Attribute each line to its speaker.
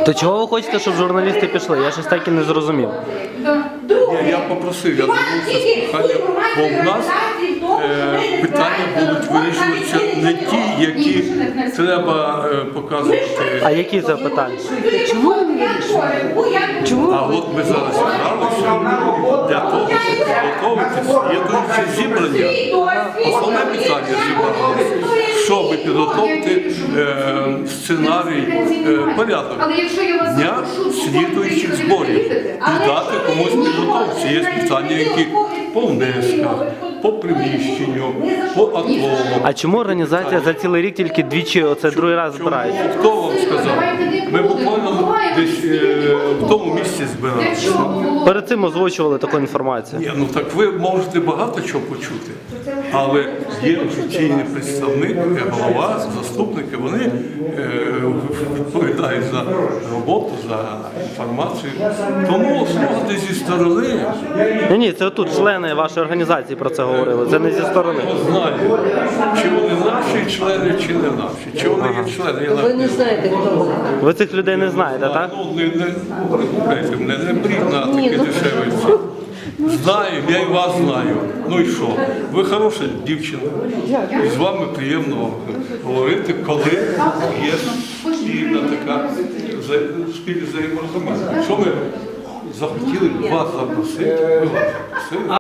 Speaker 1: То чого ви хочете, щоб журналісти пішли? Я щось так і не зрозумів.
Speaker 2: Ні, я попросив, я звернувся з проханням, бо в нас питання будуть вирішуватися не ті, які треба показувати.
Speaker 1: А які це питання?
Speaker 3: Чому ви не вирішуєте? Чому?
Speaker 2: А от ми зараз зібралися для того, щоб підготовити слідуюче зібрання. Основне питання зібралося, щоб підготовити сценарій, порядок дня слідуючих зборів і дати комусь підготовці. Є питання, які по внесках, по приміщенню, по атому.
Speaker 1: А чому організація за цілий рік тільки двічі оце другий раз збирається?
Speaker 2: Хто вам сказав? Ми буквально десь в тому місці збиралися.
Speaker 1: Перед цим озвучували таку інформацію.
Speaker 2: Ні, ну так ви можете багато чого почути, але є офіційний представник, голова, заступники, вони відповідають за роботу, за інформацію. Тому слухати зі сторони,
Speaker 1: Ні, це тут члени вашої організації про це говорили, це не зі сторони.
Speaker 2: знаю, чи вони наші члени, чи не наші, чи вони є члени. Я
Speaker 3: Ви не знаєте, хто вони.
Speaker 1: Ви цих людей не знаєте, так?
Speaker 2: Ну, не бріть на таке дешеве. Знаю, я і вас знаю. Ну і що? Ви хороша дівчина. І з вами приємно говорити, коли є спільна така спільне взаєморозуміння. Що ми захотіли вас запросити, ми вас запросили.